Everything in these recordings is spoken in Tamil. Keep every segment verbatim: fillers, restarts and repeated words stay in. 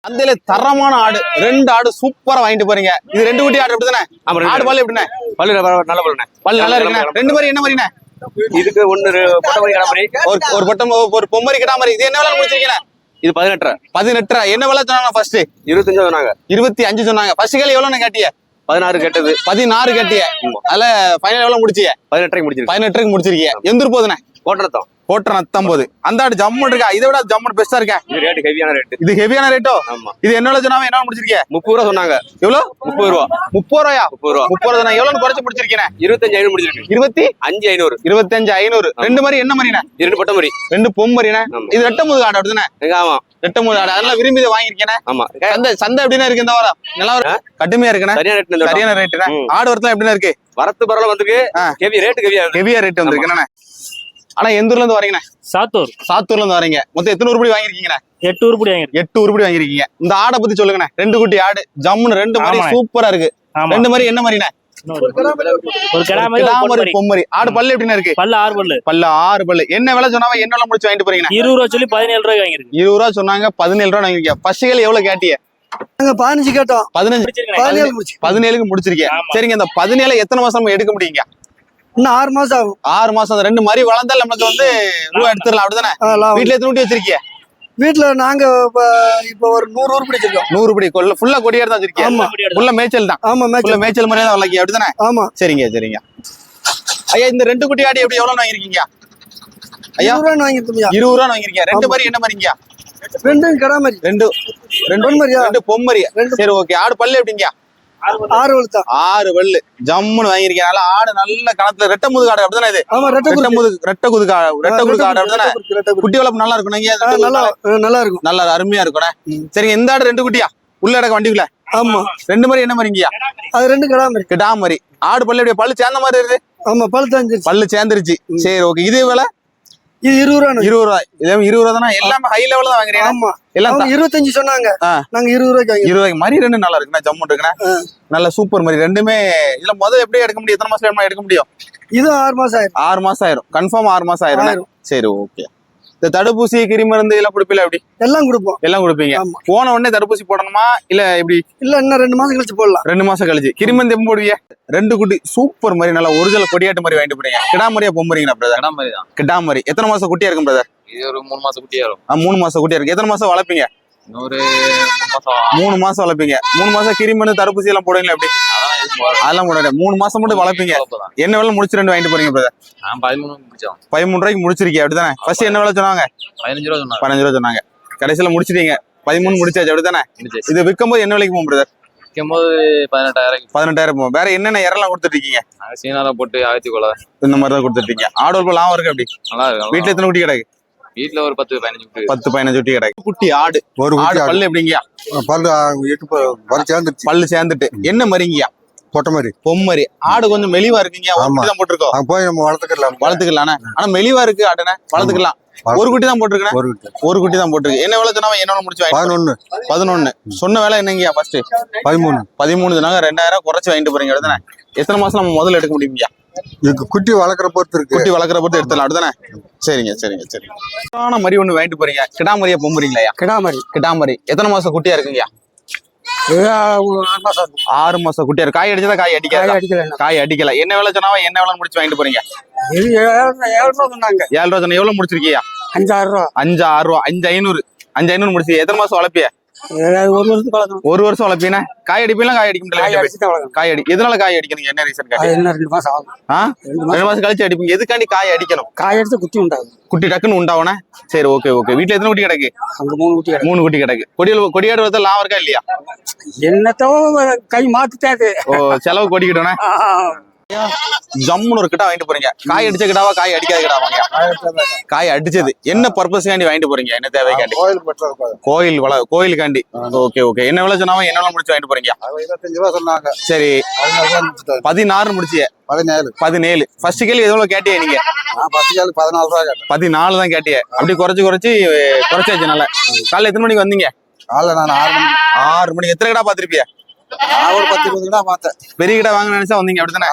அந்தல தரமான ஆடு ரெண்டு ஆடு சூப்பரா வாங்கிட்டு போறீங்க. இது ரெண்டு குட்டி ஆடு அப்படிதானே? ஆடு பல்லு எப்படிண்ணே? பல்லு நல்ல பல்லுண்ணே. பல்லு நல்லா இருக்குண்ணே. ரெண்டு மாதிரி என்ன மாதிரிண்ணே? இதுக்கு ஒன்னு பொட்டமரி கிடாமரி, ஒரு ஒரு பொட்டம் ஒரு பொம்மரி கிடாமரி. இது என்ன விலை முடிச்சிருக்கீங்க? இது பதினெட்டு பதினெட்டு என்ன விலை சொன்னாங்க? ஃபர்ஸ்ட் இருபத்தஞ்சு சொன்னாங்க. இருபத்தி அஞ்சு சொன்னாங்க. ஃபர்ஸ்ட் கேள்வி எவ்வளவு கேட்டிய? பதினாறு கேட்டது. பதினாறு கேட்டிய. அதுல ஃபைனல் எவ்வளவு முடிச்சிய? பதினெட்டு முடிச்சிருக்கீங்க. பதினெட்டுக்கு முடிச்சிருக்கீங்க. எந்திரு போதுண்ணே? கோட்டரத்தம் கோட்டை நத்தம்போது அந்த ஆடு ஜம்மு இருக்கா? இதை விட ஜம்மு பெஸ்டா இருக்கா? இது ரேட் ஹெவியான ரேட். இது ஹெவியான ரேட்டோ? ஆமா. இது என்ன சொன்னாங்க? என்ன முடிச்சிருக்கீங்க? முப்பது ரூபா சொன்னாங்க. எவ்வளவு? முப்பது ரூபா. முப்பது ரூபாயா? முப்பது ரூபா. முப்பது ரூபா எவ்வளவு குறைச்சு முடிச்சிருக்கீங்க? இருபத்தஞ்சு ஐநூறு முடிச்சிருக்கு. இருபத்தி அஞ்சு ஐநூறு. இருபத்தஞ்சு ஐநூறு. ரெண்டு மாதிரி என்ன மாதிரிண்ணே? இரண்டு பொட்ட மாதிரி, ரெண்டு பொம்மரிண்ணே. இது ரெட்ட முது ஆடு அப்படிதானே? ஆமா, ரெட்ட முது ஆடு. அதெல்லாம் விரும்பி வாங்கிருக்கேன். ஆமா. சந்தை சந்தை எப்படின்னா இருக்கு இந்த வாரம்? நல்லா கடுமையா இருக்குண்ணே. சரியான ரேட். சரியான ரேட்டுண்ணே. ஆடு வரத்துல எப்படின்னா இருக்கு? வரத்து பரவாயில்ல வந்துருக்கு. ஹெவி ரேட் ஹெவியா ஹெவியா ரேட் வந்துருக்குண்ணே. ஆனா எந்த ஊர்ல இருந்து வரீங்கண்ணே? சாத்தூர். சாத்தூர்ல இருந்து வரீங்க. மொத்தம் எத்தனை உருப்படி வாங்கிருக்கீங்கண்ணே? எட்டு உருப்படி வாங்கிருக்கீங்க. எட்டு உருப்படி வாங்கிருக்கீங்க. இந்த ஆடை பத்தி சொல்லுங்கண்ணே. ரெண்டு குட்டி ஆடு ஜம்முன்னு ரெண்டு மாதிரி சூப்பரா இருக்கு. ரெண்டு மாதிரி என்ன மாதிரிண்ணே? ஒரு கிடாமரி பொம்மரி ஆடு. பல்லு எப்படின்னா இருக்கு? பல்லு ஆறு பல்லு. பல்லு ஆறு பல்லு. என்ன விலை சொன்னாவ? என்ன விலை முடிச்சு வாங்கிட்டு போறீங்க? இருபது ரூபா சொல்லி பதினேழு ரூபாய் வாங்கிருக்கு. இருபது ரூபா சொன்னாங்க, பதினேழு ரூபா வாங்கிருக்கீங்க. பசுகள் எவ்வளவு கேட்டிய? பதினஞ்சு கேட்டோம். பதினஞ்சு பதினேழுக்கு முடிச்சிருக்கீங்க. சரிங்க. இந்த பதினேழு எத்தனை மாசம் எடுக்க முடியுங்க? இன்னும் ஆறு மாசம் ஆகும். ஆறு மாசம். ரெண்டு மாதிரி வளர்ந்தால் நமக்கு வந்து ரூபா எடுத்துடலாம் அப்படிதானே? வீட்டுல எத்தனை ஊட்டி வச்சிருக்கீங்க? வீட்டுல நாங்க இப்ப ஒரு நூறு ஊர் பிடிச்சிருக்கோம். நூறு படி கொள்ள ஃபுல்லா கொடியாடு தான் வச்சிருக்கீங்க? ஃபுல்லா மேய்ச்சல் தான். ஆமா, மேய்ச்சல் மேய்ச்சல் மாதிரியே தான் வளர்க்கீங்க அப்படிதானே? ஆமா. சரிங்க சரிங்க. ஐயா இந்த ரெண்டு குட்டி ஆடு எப்படி எவ்வளவு வாங்கிருக்கீங்க? ஐயா வாங்கிருக்கீங்க. இருபது ரூபா வாங்கிருக்கீங்க. ரெண்டு மாதிரி என்ன மாதிரிங்க? ரெண்டு கிடாமரி. ரெண்டு ரெண்டு பொம்மரியா? ரெண்டு பொம்மரியா. சரி ஓகே. ஆடு பல்லு எப்படிங்க? ஆறு வழுத்தா. ஆறு வல்லு ஜம்முன்னு வாங்கிருக்கீங்க. நல்லா ஆடு நல்ல கணத்துல ரெட்ட முதுகு ஆடு அப்படிதானே? இது ஆமா, ரெட்ட முதுகு ரெட்ட குதுகு ரெட்ட குதுகு ஆடு அப்படிதானே? குட்டி வளர்ப்பு நல்லா இருக்கும். நல்லா நல்லா இருக்கும். நல்லா அருமையா இருக்கும். சரிங்க. இந்த ஆடு ரெண்டு குட்டியா உள்ள இடக்க வண்டிக்குள்ள? ஆமா. ரெண்டு மாதிரி என்ன மாதிரிங்கயா? அது ரெண்டு கிடாமரி. கிடாமரி. ஆடு பல்லு எப்படி? பல்லு சேர்ந்த மாதிரி இருக்கு. ஆமா, பல்லு சேர்ந்துருச்சு. பல்லு சேர்ந்துருச்சு. சரி ஓகே. இது விலை? இது இருபது ரூபா. இருபது ரூபாய். இருபது ரூபா தானே? எல்லாமே ஹை லெவல்ல தான் வாங்குறீங்க? ஆமா. எல்லாம் இருபத்தஞ்சு சொன்னாங்க. நாங்க இருபது ரூபாய்க்கு. இருபது ரூபாய்க்கு மாதிரி ரெண்டு நல்லா இருக்குண்ணா. ஜம்மு இருக்குண்ணா. நல்ல சூப்பர் மாதிரி ரெண்டுமே. இதுல முதல்ல எப்படி எடுக்க முடியும்? எத்தனை மாசம் எடுக்க முடியும்? இது ஆறு மாசம் ஆயிரும். ஆறு மாசம் ஆயிரும். கன்ஃபார்ம் ஆறு மாசம் ஆயிரும். சரி ஓகே. இந்த தடுப்பூசி கிருமி மருந்து எல்லாம் கொடுப்பீங்களா? எப்படி? எல்லாம் கொடுப்போம். எல்லாம் கொடுப்பீங்க. போன உடனே தடுப்பூசி போடணுமா இல்ல எப்படி? இல்ல இன்னும் ரெண்டு மாசம் கழிச்சு போடலாம். ரெண்டு மாசம் கழிச்சு. கிருமி மருந்து எப்ப போடுவீங்க? ரெண்டு குட்டி சூப்பர் மாதிரி நல்லா ஒரிஜினல் கொடியாட்டு மாதிரி வாங்கிட்டு போறீங்க. கிடாமரியா பொம்மரிங்களா பிரதர்? கிடாமரி தான். கிடாமரி. எத்தனை மாசம் குட்டியா இருக்கும் பிரதர்? இது ஒரு மூணு மாசம் குட்டியா இருக்கும். மூணு மாசம் குட்டியா இருக்கு. எத்தனை மாசம் வளர்ப்பீங்க? ஒரு மாசம். மூணு மாசம் வளர்ப்பீங்க. மூணு மாசம் கிருமி மருந்து தடுப்பூசி எல்லாம் போடுவீங்களா? எப்படி? அதெல்லாம் போட மூணு மாசம் மட்டும் வளர்ப்பீங்க. என்ன வேலை முடிச்சு ரெண்டு வாங்கிட்டு போறீங்க பிரதர்? பதிமூணு முடிச்சோம். பதிமூணு ரூபாய்க்கு முடிச்சிருக்கீங்க அப்படிதானே? ஃபர்ஸ்ட் என்ன வேலை சொன்னாங்க? பதினஞ்சு ரூபா சொன்னாங்க. பதினஞ்சு ரூபா சொன்னாங்க. கடைசியில முடிச்சிட்டீங்க. பதிமூணு முடிச்சாச்சு அப்படிதானே? இது விற்கும் போது என்ன விலைக்கு போகும் பிரதர்? விற்கும் போது பதினெட்டாயிரம். பதினெட்டாயிரம் போகும். வேற என்னென்ன இறலாம் கொடுத்துட்டு இருக்கீங்க? சீனால போட்டு ஆயிரத்தி கொள்ள இந்த மாதிரி தான் கொடுத்துட்டு இருக்கீங்க. ஆடு லாபம் இருக்கு அப்படி? நல்லா இருக்கு. வீட்டுல எத்தனை குட்டி கிடக்கு? வீட்டுல ஒரு பத்து பதினஞ்சு குட்டி. பத்து பதினஞ்சு குட்டி கிடக்கு. குட்டி ஆடு. ஒரு ஆடு பல்லு எப்படிங்கயா? பல்லு எட்டு சேர்ந்துட்டு. பல்லு சேர்ந்துட்டு. என்ன மரிங்கயா? பொட்ட மாதிரி. பொம்மரி. ஆடு கொஞ்சம் மெலிவா இருக்குங்க. தான் போட்டிருக்கோம். போய் நம்ம வளர்த்துக்கலாம். வளர்த்துக்கலாம். ஆனா மெலிவா இருக்கு ஆடுனே. வளர்த்துக்கலாம். ஒரு குட்டி தான் போட்டிருக்கேன். ஒரு குட்டி தான் போட்டிருக்கு. என்ன வேலை சொன்னா என்ன முடிச்சு? பதினொன்னு. பதினொன்னு சொன்ன வேலை என்னங்கயா? ஃபர்ஸ்ட் பதிமூணு. பதிமூணு சொன்னாங்க. ரெண்டாயிரம் குறைச்சு வாங்கிட்டு போறீங்க அப்படிதானே? எத்தனை மாசம் நம்ம முதல்ல எடுக்க முடியுங்கயா? குட்டி வளர்க்குற பொறுத்து இருக்கு. குட்டி வளர்க்குற பொறுத்து எடுத்துலாம் அப்படிதானே? சரிங்க சரிங்க சரி. மரி ஒண்ணு வாங்கிட்டு போறீங்க. கிடாமரியா பொம்புறீங்களா? கிடாமரி. கிடாமரி. எத்தனை மாசம் குட்டியா இருக்குங்கயா? ஆறு மாசம் குட்டியா இருக்கு. காய் அடிச்சதா? காய் அடிக்கல. காய் அடிக்கல. என்ன வேலை சொன்னாவா என்ன வேலை முடிச்சு வாங்கிட்டு போறீங்க? ஏழு ரூபா சொன்னாங்க. ஏழு ரூபா சொன்ன. எவ்வளவு முடிச்சிருக்கியா? அஞ்சாறு ரூபா. அஞ்சு ஆறு ரூபா. அஞ்சு ஐநூறு. அஞ்சு ஐநூறு முடிச்சு. எத்தனை மாசம் வளர்ப்பிய? ஒரு வருஷத்துக்கு வளர்க்கணும். ஒரு வருஷம் வளர்ப்பீனா? காய் அடிப்பீங்களா? காய் அடிக்க முடியல. காய் அடி. எதனால காய் அடிக்கணும்? என்ன ரீசன்? ரெண்டு மாசம் ஆகும். ரெண்டு மாசம் கழிச்சு அடிப்பீங்க. எதுக்காண்டி காய் அடிக்கணும்? காய் அடிச்சு குட்டி உண்டாகும். குட்டி டக்குன்னு உண்டாவனா? சரி ஓகே ஓகே. வீட்டுல எத்தனை குட்டி கிடக்கு? அங்க மூணு குட்டி. மூணு குட்டி கிடக்கு. கொடியில் கொடியாடு வரது லாபம் இருக்கா இல்லையா? என்னத்தோ கை மாத்துட்டாது. ஓ செலவு கொடிக்கிட்டோண்ணே. ஜம்முன்னு ஒரு கிட்ட வாங்கிட்டு போறீங்க. காய் அடிச்ச கிடாவா? காய் அடிக்காத கிடாவாங்க? காய் அடிச்சது. என்ன பர்பஸ்க்காண்டி வாங்கிட்டு போறீங்க? என்ன தேவைக்காண்டி? கோயில் வள கோயிலுக்காண்டி. Okay okay. என்ன விலை சொன்னாவா என்ன விலை முடிச்சு வாங்கிட்டு போறீங்க? இருபத்தஞ்சு ரூபா சொன்னாங்க. சரி. பதினாறு முடிச்சிய? பதினேழு. பதினேழு. ஃபர்ஸ்ட் கேள்வி எவ்வளவு கேட்டிய நீங்க? பதினாலு ரூபா. பதினாலு தான் கேட்டிய. அப்படி குறைச்சு குறைச்சு குறைச்சாச்சு. நல்லா. காலைல எத்தனை மணிக்கு வந்தீங்க? காலைல நான் ஆறு மணி. ஆறு மணிக்கு. எத்தனை கடை பாத்திருப்பிய? ஒரு பத்து இருபது கடை பார்த்தேன். பெரிய கடை வாங்க நினைச்சா வந்தீங்க அப்படித்தானே?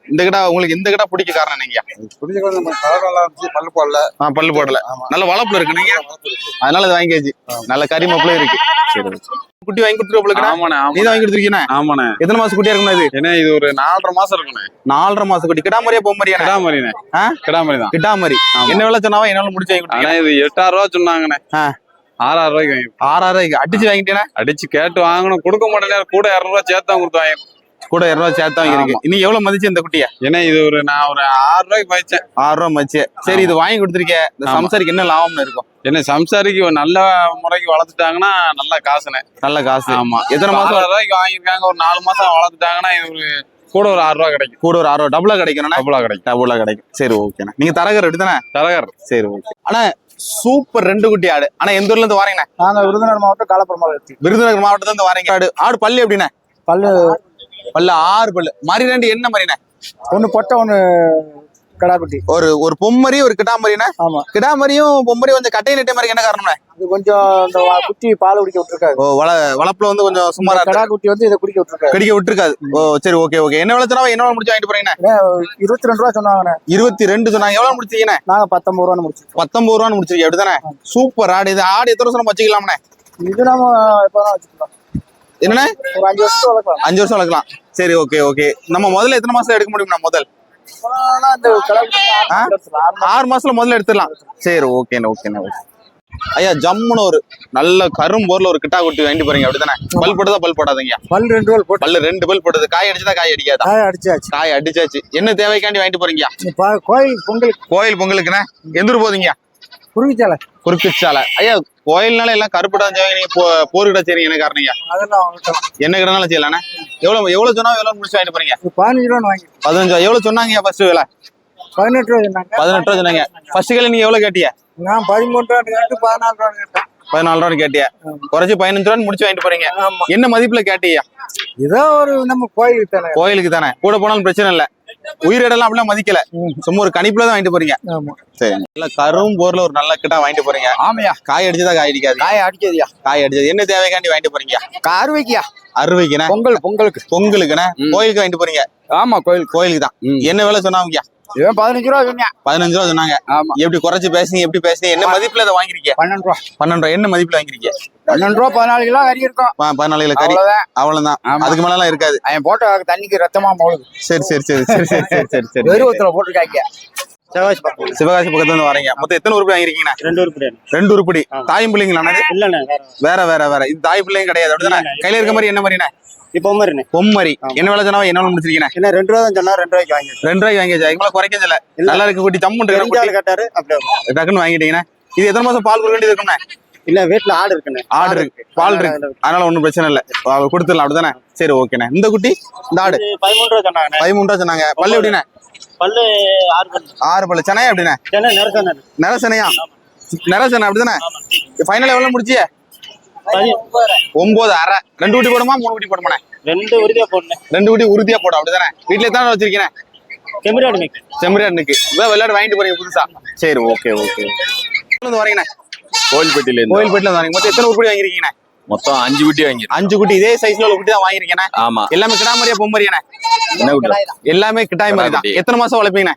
இந்த கிடா உங்களுக்கு இந்த கிடா பிடிக்க காரணம் என்னங்கய்யா? பிடிச்ச நம்ம கலர் நல்லா இருந்துச்சு, பல்லு போடல. ஆ, பல்லு போடல, நல்ல வளப்புல இருக்கு நீங்க, அதனால அது வாங்கியாச்சு. நல்ல கறி மாப்பிள இருக்கு. சரி, குட்டி வாங்கி கொடுத்துருவோம். ஆமாண்ணே நீ தான் வாங்கி கொடுத்துருக்கீங்க. ஆமாண்ணே. எத்தனை மாசம் குட்டியா இருக்குண்ணா இது? ஏன்னா இது ஒரு நாலரை மாசம் இருக்குண்ணே. நாலரை மாசம் குட்டி. கிடாமரியா பொம்மரியா? கிடாமரிண்ணே. ஆ, கிடாமரி தான். கிடாமரி. என்ன விலை சொன்னாவா? என்னால முடிச்சு வாங்கி கொடுத்தீங்க. ஆனா இது எட்டாயிரம் ரூபா சொன்னாங்கண்ணே. ஆ, ஆறாயிரம் ரூபாய்க்கு வாங்கி ஆறாயிரம் ரூபாய்க்கு அடிச்சு வாங்கிட்டேன்னா? அடிச்சு கேட்டு வாங்கணும், கொடுக்க மாட்டேன். கூட இருநூறு ரூபா சேர்த்து கொடுத்து வாங்க. கூட இருநூறு ரூபாய் சேர்த்தா இருக்கு. இன்னைக்கு எவ்வளவு மதிச்சு இந்த குட்டிய? ஏன்னா இது ஒரு நான் ஒரு ஆறு ரூபாய்க்கு மதிச்சேன். ஆறு ரூபாய் மதிச்சு. சரி, இது வாங்கி கொடுத்துருக்கேன். இந்த சம்சாரிக்கு என்ன லாபம்னு இருக்கும்? என்ன சம்சாரிக்கு ஒரு நல்ல முறைக்கு வளர்த்துட்டாங்கன்னா நல்ல காசுண்ணே. நல்ல காசு. ஆமா. எத்தனை மாசம் ஆறாயிரம் ரூபாய்க்கு வாங்கியிருக்காங்க, ஒரு நாலு மாசம் வளர்த்துட்டாங்கன்னா இது ஒரு கூட ஒரு ஆறு ரூபா கிடைக்கும். கூட ஒரு ஆறு ரூபா டபுளா கிடைக்கும். டபுளா கிடைக்கும். டபுளா கிடைக்கும். சரி, ஓகேண்ணா. நீங்க தரகர் எடுத்தானே? தரகர். சரி, ஓகே. ஆனா சூப்பர் ரெண்டு குட்டி ஆடு. ஆனா எந்த ஊர்ல இருந்து வரீங்கண்ணா? நாங்க விருதுநகர் மாவட்டம் காலப்புறம் மாவட்டம். விருதுநகர் மாவட்டத்துல இருந்து வரீங்க. ஆடு ஆடு பல்லு எப்படிண்ணே? பல்லு பல்லு ஆறு பல்லு. மரி ரெண்டு என்ன மரிண்ணே? ஒண்ணு பொட்டை, ஒண்ணு கடாக்குட்டி. ஒரு ஒரு பொம்மரி ஒரு கிடாமரிண்ணே. ஆமா. கிடாமரியும் பொம்மரி கொஞ்சம் கட்டை நெட்டை மாதிரி என்ன காரணம்ண்ணே? இது கொஞ்சம் இந்த வ- குட்டி பால் குடிக்க விட்டுருக்காரு. ஓ, வள வளப்புல வந்து கொஞ்சம் சுமாரா இருக்கு. கடாக்குட்டி வந்து இதை குடிக்க விட்டுருக்காரு. கடிக்க விட்டுருக்காது. ஓ, சரி, ஓகே ஓகே. என்ன விலை சொன்னாவா? என்ன விலை முடிச்சு வாங்கிட்டு போறீங்கண்ணே? இருபத்தி ரெண்டு ரூபா சொன்னாங்கண்ணே. இருபத்தி ரெண்டு சொன்னாங்க. எவ்வளவு முடிச்சீங்கண்ணே? நாங்க பத்தொன்பது ரூபான்னு முடிச்சிருக்கோம். பத்தொன்பது ரூபான்னு முடிச்சிருக்கீங்க. அப்படிதானே? சூப்பர் ஆடு. இது ஆடு எத்தனை வருஷம் வச்சுக்கலாம்ண்ணே? இது நம்ம இப்பதான் வச்சுக்கலாம். என்னண்ணே? ஒரு அஞ்சு வருஷம் வளர்க்கலாம். அஞ்சு வருஷம் வளர்க்கலாம். சரி, ஓகே ஓகே. நம்ம முதல்ல எத்தனை மாசம் எடுக்க முடியும்ண்ணா? முதல் ஆனா இந்த கடாக்குட்டி ஆ? ஆறு மாசம் ஆறு மாசம். ஆறு மாசத்துல முதல்ல எடுத்துடலாம். சரி, ஓகேண்ணே ஓகேண்ணே ஓகே. ஐயா, ஜம்முன்னு ஒரு நல்ல கரும்போர்ல ஒரு கிட்டா குட்டி வாங்கிட்டு போறீங்க. அப்படிதானே? பல் போட்டதா பல் போடாதீங்க? பல் ரெண்டு பல் போட்டு பல்லு ரெண்டு பல் போட்டது. காய் அடிச்சதா காய் அடிக்காதா? காய அடிச்சாச்சு. காய் அடிச்சாச்சு. என்ன தேவைக்காண்டி வாங்கிட்டு போறீங்க? இப்ப கோயில் பொங்கலுக்கு கோயில் பொங்கலுக்குண்ணே. எந்த ஊர் போதீங்க? குருவிச்சாலை. குறுக்குச்சாலை. ஐயா, கோயில்னால எல்லாம் கருப்புடா செய்வாங்க. நீங்க போ- போர்கிட்ட செய்றீங்க. என்ன காரணம்? அதெல்லாம் வாங்கிட்டோம். என்ன கிடனாலும் செய்யலாண்ணே. எவ்வளவு எவ்வளவு சொன்னா எவ்வளவு முடிச்சு வாங்கிட்டு போறீங்க? இது பதினஞ்சு ரூபான்னு வாங்கி பதினஞ்சு ரூபா. எவ்வளவு சொன்னாங்க ஃபர்ஸ்ட் விலை? பதினெட்டு ரூபா சொன்னாங்க. பதினெட்டு ரூபா சொன்னாங்க. ஃபர்ஸ்ட் கிலோ நீங்க எவ்வளவு கேட்டிய? நான் பதிமூணு ரூபா கேட்டு பதினாலு ரூபா கேட்டேன். பதினாலு ரூபான்னு கேட்டிய. குறைச்சு பதினஞ்சு ரூபான்னு முடிச்சு வாங்கிட்டு போறீங்க. ஆமா. என்ன மதிப்புல கேட்டியா? ஏதோ ஒரு நம்ம கோயிலுக்கு தானே. கோயிலுக்கு தானே. கூட போனாலும் பிரச்சனை இல்ல. உயிரிடலாம் அப்படிலாம் மதிக்கல. சும்மா ஒரு கணிப்புல தான் வாங்கிட்டு போறீங்க. ஆமா. சரி, நல்ல கரும் போர்ல ஒரு நல்ல கிட்டா வாங்கிட்டு போறீங்க. ஆமையா. காய் அடிச்சதா காய் அடிக்காது? காய அடிச்சதியா. காய் அடிச்சது. என்ன தேவைக்காண்டி வாங்கிட்டு போறீங்க? அறுவைக்கியா. அறுவைக்குண்ணே. பொங்கல் பொங்கலுக்கு. பொங்கலுக்குண்ணே. கோயிலுக்கு வாங்கிட்டு போறீங்க. ஆமா, கோயில் கோயிலுக்கு தான். என்ன விலை சொன்னாங்க? இவன் பதினஞ்சு ரூபா சொன்னேன். பதினஞ்சு ரூபா சொன்னாங்க. ஆமா. எப்படி குறைச்சு பேசுனீங்க? எப்படி பேசுனீங்க? என்ன மதிப்புல இதை வாங்கிருக்கீங்க? பன்னெண்டு ரூபா. பன்னெண்டு ரூபா. என்ன மதிப்புல வாங்கிருக்கீங்க? பன்னெண்டு ரூபா பதினாலு கிலோ கறி இருக்கும். ப- பதினாலு கிலோ கறி. அவ்வளவுதான். அவ்வளவுதான். ஆமா. அதுக்கு மேல எல்லாம் இருக்காது. அவன் போட்ட தண்ணிக்கு ரத்தமா மோளுது. சரி சரி சரி சரி சரி சரி சரி சரி. வெறுவத்துல போட்டுருக்காங்க. செவ்வாய் பக்கம். சிவகாசி பக்கத்துல இருந்து வரீங்க. மொத்தம் எத்தனை உருப்படி வாங்கிருக்கீங்க? ரெண்டு உருப்படி. ரெண்டு உருப்படி. தாயும் பிள்ளைங்களா? இல்லண்ணே, வேற வேற வேற. இது தாய் பிள்ளையும் கிடையாது. அப்படிதானே? கையில இருக்க மாதிரி என்ன மாதிரிண்ணே? இப்போ மாதிரிண்ணே. பொம்மரி. என்ன விலை சொன்னா என்ன முடிச்சிருக்கீங்க? என்ன ரெண்டு ரூபா தான் சொன்னா ரெண்டு ரூபாய்க்கு வாங்கி ரெண்டு ரூபாய்க்கு வாங்கியாச்சு. அதுக்கு மேல குறைக்கவே இல்ல. நல்லா இருக்கு குட்டி. ஜம்முன்னு இருக்கு குட்டி. கேட்டாரு. அப்படியே டக்குன்னு வாங்கிட்டீங்கன்னா இது எத்தனை மாசம் பால் கொடுக்க வேண்டியது இருக்குண்ணே? இல்ல வீட்டுல ஆடு இருக்குண்ணே. ஆடு இருக்கு, பால் இருக்கு. அதனால ஒண்ணும் பிரச்சனை இல்ல. அவ கொடுத்துடலாம். அப்படிதானே? சரி, ஓகேண்ணே. இந்த குட்டி இந்த ஆடு இது பதிமூணு ரூபா சொன்னாங்கண்ணே. பதிமூணு ரூபா சொன்னாங்க. பல்லு எப்படிண்ணே? பல்லு ஆறு பல்லு. ஆறு பல்லு. சென்னையா எப்படிண்ணே? சென்னை நெரசண்ணே. நரசனையா? நரசனை. அப்படிதானே? ஃபைனல் எவ்வளவு முடிச்சிய? பதி- ஒன்பது அரை. ரெண்டு குட்டி போடுமா மூணு குட்டி போடுமாண்ணே? ரெண்டு உறுதியா போடணும். ரெண்டு குட்டி உறுதியா போடும். அப்படிதானே? வீட்டுல எத்தனை வச்சிருக்கீங்க? செம்மறியாடு மேய்க்கு. செம்மறியாடுக்கு இதான் விளையாடு வாங்கிட்டு போறீங்க புதுசா? சரி, ஓகே ஓகே. வரீங்கண்ணே? கோயில்பட்டியில இருந்து கோயில்பேட்டில இருந்து வரீங்க. மொத்தம் எத்தனை உருப்படி வாங்கிருக்கீங்கண்ணே? மொத்தம் அஞ்சு குட்டி வாங்கி. அஞ்சு குட்டி. இதே சைஸ்ல உள்ள குட்டி தான் வாங்கிருக்கேன். ஆமா. எல்லாமே கிடாமரியா பொம்மரியாண்ணே? என்ன குட்டி? எல்லாமே கிட்டாய் மாதிரி தான். கிடாய் குட்டி. எத்தனை மாசம் வளர்ப்பீங்கண்ணே?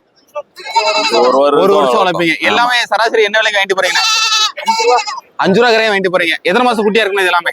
ஒரு ஒரு வருஷம் வளர்ப்பீங்க. எல்லாமே சராசரி என்ன விலைக்கு வாங்கிட்டு போறீங்கண்ணே? அஞ்சு ரூபா கரையா வாங்கிட்டு போறீங்க. எத்தனை மாசம் குட்டியா இருக்குண்ணே இது எல்லாமே?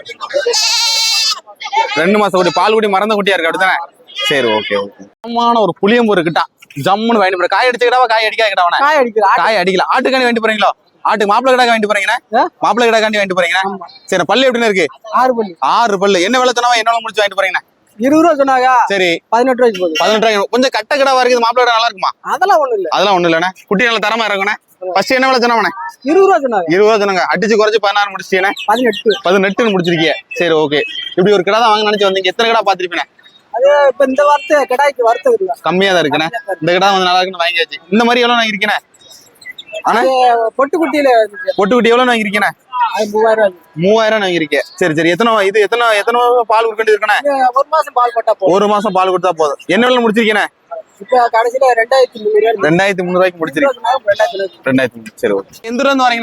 ரெண்டு மாசம் குட்டி. பால் குட்டி மறந்த குட்டியா இருக்கு. அப்படித்தானே? சரி, ஓகே ஓகே. ஆமான ஒரு புளியம்பூர் கிட்டா ஜம்முன்னு வாங்கிட்டு போற. காய் அடிச்ச கிடாவா காய் அடிக்காத கிடாவா? காய அடிக்கிறா. காய் அடிக்கல. ஆட்டுக்காண்டி வாங்கிட்டு போறீங்களோ? ஆட்டுக்கு மாப்பிளை கிடா வாங்கிட்டு போறீங்கண்ணே? மாப்பிளை கிடா காண்டி வாங்கிட்டு போறீங்கண்ணே? சரி, பல்லு எப்படின்னு இருக்கு? ஆறு பல்லு. ஆறு பல்லு. என்ன விலை சொன்னாவா என்ன முடிச்சு வாங்கிட்டு போறீங்கண்ணே? இருபது ரூபா சொன்னாங்க. சரி, பதினெட்டு ரூபாய்க்கு போகுது. பதினெட்டு ரூபாய். கொஞ்சம் கட்ட கிடாவா இருக்குது. மாப்பிளை கிடா நல்லா இருக்குமா? அதெல்லாம் ஒண்ணு இல்ல. அதெல்லாம் ஒண்ணு இல்லண்ணே. குட்டி நல்ல தரமா இருக்குண்ணே. ஃபர்ஸ்ட் என்ன விலை சொன்னாவண்ணே? இருபது ரூபா சொன்னாங்க. இருபது ரூபா சொன்னாங்க. அடிச்சு குறைச்சு பதினாறு முடிச்சிட்டீங்கண்ணே? பதினெட்டு. பதினெட்டுன்னு முடிச்சிருக்கீங்க. சரி, ஓகே. இப்படி ஒரு கிடா தான் வாங்க நினைச்சு வந்தீங்க. எத்தனை கிடா பாத்திருப்பீங்க? அது இப்ப இந்த வார்த்தை கடாய்க்கு வறுத்தது இல்ல. கம்மியா தான் இருக்குண்ணே. இந்த கிடா வந்து நல்லா இருக்குன்னு வாங்கியாச்சு. இந்த மாதிரி எவ்வளவு வாங்கிருக்கீங்க? ஆனா பொட்டு குட்டியில இருந்துச்சு. பொட்டு குட்டி எவ்வளவு வாங்கிருக்கீங்க? அது மூவாயிரம் ரூபாய். மூவாயிரம் வாங்கிருக்கீங்க. சரி சரி. எத்தனை இது எத்தனை எத்தனை பால் கொடுக்க வேண்டியது இருக்குண்ணே? ஒரு மாசம் பால் போட்டா போதும். ஒரு மாசம் பால் கொடுத்தா போதும். என்ன விலை முடிச்சிருக்கீங்க? இப்ப கடைசியில ரெண்டாயிரத்தி முந்நூறு ரூபாய். ரெண்டாயிரத்தி முந்நூறு ரூபாய்க்கு முடிச்சிருக்கீங்க. ரெண்டாயிரத்தி ரெண்டாயிரத்தி முந்நூறு. சரி, ஓகே. எந்த ஊர்ல இருந்து வரீங்கண்ணே?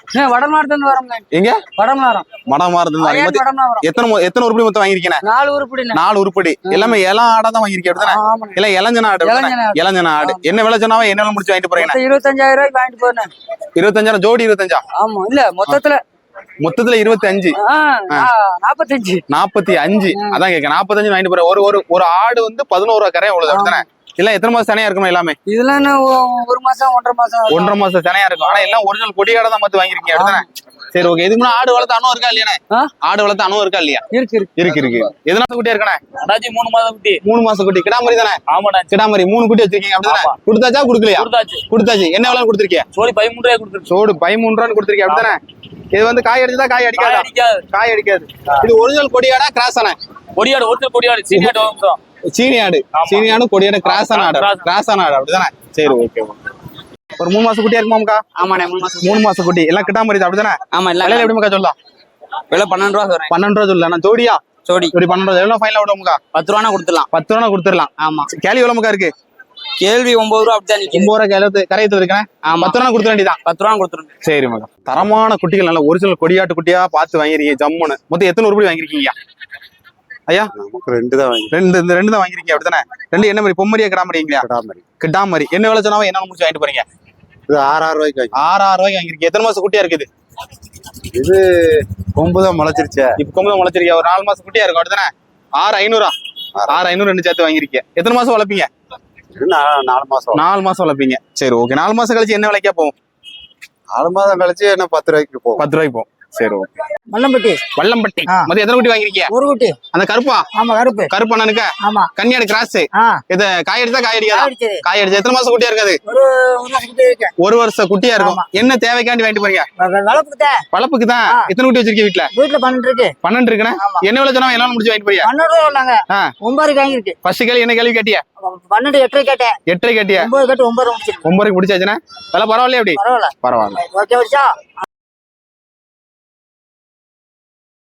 வடமாடு இருந்து வரோங்க. எங்க வடமாரம் மடமா இருந்து வடமாரம் எத்தனை மொ- எத்தனை உருப்படி மொத்தம் வாங்கிருக்கீங்க? நாலு உருப்படி நாலு உருப்படி எல்லாமே இளம் ஆடா தான் வாங்கிருக்கீங்க அப்படிதானே? ஆமாங்க. இல்ல இளஞ்சன ஆடு அப்படிதானே? இளஞ்சன ஆடு. இளஞ்சன ஆடு என்ன விலை சொன்னாவா என்ன விலை முடிச்சு வாங்கிட்டு போறீங்க? மொத்தம் இருபத்தஞ்சாயிரம் ரூபாய்க்கு வாங்கிட்டு போனேன். இருபத்தஞ்சாயிரம் ஜோடி இருபத்தஞ்சா ஆமா இல்ல மொத்தத்துல மொத்தத்துல இருபத்தி அஞ்சு ஆ, ஆ, நாப்பத்தஞ்சு நாற்பத்தி அஞ்சு அதான் கேட்க நாற்பத்தஞ்சு வாங்கிட்டு போறேன். ஒரு ஒரு ஒரு ஆடு வந்து பதினோரு ரூபா கரையா உள்ளது அப்படிதானே? இல்ல எத்தனை மாசம் தனியா இருக்கணும் எல்லாமே? இதெல்லாம் என்ன ஒ- ஒரு மாசம் ஒன்றரை மாசம் இருக்கும். ஒன்றரை மாசம் தனியா இருக்கும். ஆனா எல்லாம் ஒரிஜினல் கொடியாட தான் பார்த்து வாங்கிருக்கீங்க அப்படிதானே? சரி ஓகே. இதுக்கு முன்னாடி ஆடு வளர்த்து அனுபவம் இருக்கா இல்லையானே? ஆ? ஆடு வளர்த்து அனுபவம் இருக்கா இல்லையா? இருக்கு இருக்கு இருக்கு இருக்கு. எதனால குட்டியா இருக்கணே? அண்ணாச்சி மூணு மாதம் குட்டி. மூணு மாசம் குட்டி கிடாமரி தானே? ஆமாண்ணா. கிடாமரி மூணு குட்டி வச்சிருக்கீங்க அப்படிதானே? கொடுத்தாச்சா கொடுக்கலையா? கொடுத்தாச்சு. கொடுத்தாச்சு. என்ன விலை கொடுத்துருக்கீங்க? சோடி பதிமூணு ரூபாய் கொடுத்துருச்சு. சோடு பதிமூணு ரூபான்னு கொடுத்துருக்கீங்க அப்படிதானே? இது வந்து காய் அடிச்சதா காய் அடிக்காதா? அடிக்காது. காய் அடிக்காது. இது ஒரிஜினல் கொடியாடா கிராஸ் ஆன? கொடியாடு ஒருத்தர் கொடியாடு சீனியாடு வம்சம். சீனி ஆடு. சீனி ஆடு கொடியாடு கிராஸ் ஆன ஆடு. Cross. கிராஸ் ஆன ஆடு அப்படிதானே? சரி ஓகே. ஒரு மூணு மாசம் குட்டியா இருக்குமாக்கா? ஆமாண்ணே மூணு மாசம் மூணு மாசம் குட்டி எல்லாம் கிட்டாமரி அப்படிதானே? ஆமா இல்ல விலையில எப்படிமாக்கா சொல்லலாம்? விலை பன்னெண்டு ரூபா சொல்றேன். பன்னெண்டு ரூபா சொல்லலாம். ஜோடியா சோடி ஜோடி பன்னெண்டு ரூபா. எவ்வளவு ஃபைனல் விடுவோம்க்கா? பத்து ரூபா கொடுத்துடலாம். பத்து ரூபா கொடுத்துடலாம். ஆமா கேள்வி எவ்வளவுக்கா இருக்கு? கேள்வி ஒன்பது ரூபா அப்படிதான் நிக்குது. ஒன்பது ரூபா கேள்வி கரையத்து இருக்கேன். ஆமா பத்து ரூபா கொடுத்துட வேண்டியதான். பத்து ரூபா கொடுத்துருங்க. சரி மகா. தரமான குட்டிகள் நல்ல ஒரிஜினல் கொடியாட்டு குட்டியா பார்த்து வாங்கிருக்கீங்க ஜம்முன்னு. மொத்தம் எத்தனை உருப்படி வாங்கிருக்கீங்க ஐயா? நமக்கு ரெண்டு தான் வாங்கி ரெண்டு இந்த ரெண்டு தான் வாங்கிருக்கீங்க அப்படிதானே? ரெண்டு என்ன மாதிரி பொம்மரியா கிடாமரிங்களா? கிடாமரி. கிடாமரி என்ன விலை சொன்னாவா என்ன முடிச்சு வாங்கிட்டு போறீங்க? இது ஆறு ஆறு ரூபாய்க்கு வாங்கி. ஆறு ஆறு ரூபாய்க்கு வாங்கிருக்கீங்க. எத்தனை மாசம் குட்டியா இருக்குது? இது கொம்பு தான் முளைச்சிருச்சே. இப்ப கொம்பு முளைச்சிருக்கீங்க. ஒரு நாலு மாசம் குட்டியா இருக்கும் அப்படிதானே? ஆறு ஐநூறா? ஆறு ஐநூறு ரெண்டு சேர்த்து வாங்கிருக்கீங்க. எத்தனை மாசம் வளர்ப்பீங்க? இது நா- நாலு மாசம் நாலு மாசம் வளர்ப்பீங்க. சரி ஓகே. நாலு மாசம் கழிச்சு என்ன விலைக்கா போகும்? நாலு மாதம் கழிச்சு என்ன பத்து ரூபாய்க்கு போகும். பத்து ரூபாய்க்கு போகும். சரி ஓகே. மல்லம்பட்டி வல்லம்பட்டி மொத்தம் எத்தனை குட்டி வாங்கிருக்கீங்க? ஒரு குட்டி. அந்த கருப்பா ஆமா கருப்பு. கருப்பு அண்ணனுக்கு ஆமா கன்னியாடு கிராஸ். ஆ இது காய் அடிச்சா காய் அடிக்காதா? அடிச்சது. காய் அடிச்சா எத்தனை மாசம் குட்டியா இருக்காது? ஒரு ஒரு மாசம் குட்டி இருக்கு. ஒரு வருஷம் குட்டியா இருக்கும். என்ன தேவைக்காண்டி வாங்கிட்டு போறீங்க? வளர்ப்புதே வளர்ப்புக்கு தான். எத்தனை குட்டி வச்சிருக்கீங்க வீட்டுல? வீட்டுல பன்னெண்டு இருக்கு. பன்னெண்டு இருக்குண்ணே. என்ன விலை சொன்னா எல்லாம் முடிச்சு வாங்கிட்டு போறியா? பன்னெண்டு ரூபா உள்ளாங்க. ஆ. ஒன்பது வாங்கிருக்கு. ஃபர்ஸ்ட் கேள்வி என்ன கேள்வி கேட்டியா? பன்னெண்டு எட்டரை கேட்டேன். எட்டரை கேட்டியா? ஒன்பது கேட்டு ஒன்பது முடிச்சிருக்கு. ஒன்பது பிடிச்சாச்சுன்னா விலை பரவாயில்லையா? எப்படி பரவாயில்ல பரவாயில்ல. ஓகே வச்சா